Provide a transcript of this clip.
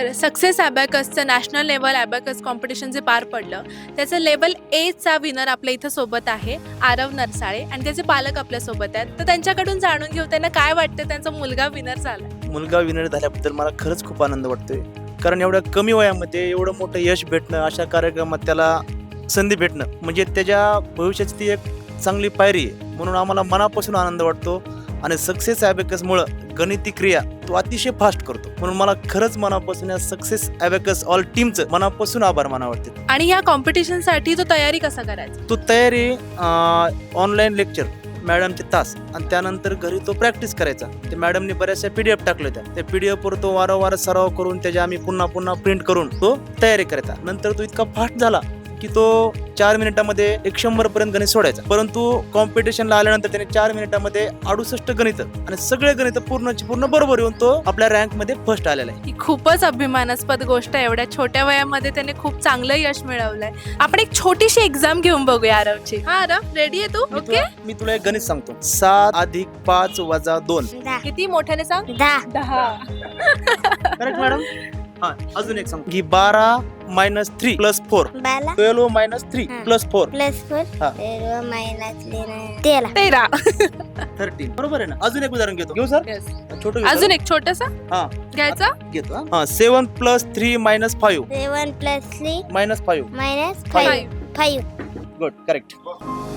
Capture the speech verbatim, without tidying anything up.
तर सक्सेस ॲबॅकसचं national level abacus competition जे पार पडलं त्याचं लेवल एचा विनर आपल्या इथं सोबत आहे आरव नरसाळे आणि त्याचे पालक आपल्यासोबत आहेत. तर त्यांच्याकडून जाणून घेऊ त्यांना काय वाटतं त्यांचा मुलगा विनर झाला. मुलगा विनर झाल्याबद्दल मला खरंच खूप आनंद वाटतोय, कारण एवढ्या कमी वयामध्ये एवढं मोठं यश भेटणं, अशा कार्यक्रमात त्याला संधी भेटणं म्हणजे त्याच्या भविष्याची ती एक चांगली पायरी आहे. म्हणून आम्हाला मनापासून आनंद वाटतो आणि सक्सेस ॲबॅकसमुळं गणिती क्रिया तो अतिशय फास्ट करतो. म्हणून मला खरंच मनापासून या सक्सेस ॲबॅकस ऑल टीमचं मनापासून आभार मानावं वाटते. आणि या कॉम्पिटिशनसाठी तो तयारी कसा करायचा. तो तयारी ऑनलाईन लेक्चर, मॅडमचे तास आणि त्यानंतर घरी तो प्रॅक्टिस करायचा. ते मॅडमने बऱ्याचशा पीडीएफ टाकल्या होत्या. त्या पीडीएफवर तो वारंवार सराव करून त्याच्या आम्ही पुन्हा पुन्हा प्रिंट करून तो तयारी करायचा. नंतर तो इतका फास्ट झाला की तो चार मिनिटामध्ये एक शंभर पर्यंत गणित सोडायचा. परंतु कॉम्पिटिशनला आल्यानंतर त्याने चार मिनिटामध्ये अडुसष्ट गणित आणि सगळे गणित पूर्णची पूर्ण बरोबर येऊन तो आपल्या रँक मध्ये फर्स्ट आलेला आहे. ही खूपच अभिमानास्पद गोष्ट आहे. एवढ्या छोट्या वयामध्ये त्याने खूप चांगलं यश मिळवलंय. आपण एक छोटीशी एक्झाम घेऊन बघूया आरवची. हा आरव, रेडी आहे तू? मी ओके. तुला मी तुला एक गणित सांगतो. सात अधिक पाच वजा दोन. दहा किती मोठ्याने सांग. दहा दहा. Correct madam. हा, अजून एक सांगतो की बारा मायनस थ्री प्लस फोर. बारा ट्वेल्व मायनस थ्री हा. Plus four. प्लस फोर हा. तेरा मायनस तेरा तेरा. थर्टीन. बरोबर आहे ना. अजून एक उदाहरण घेतो. घेऊ सर. Yes. छोटं अजून एक छोटस हा घ्यायचा. घेतो. हा, seven plus three minus five seven plus three minus five. Minus Five. Five five good, correct.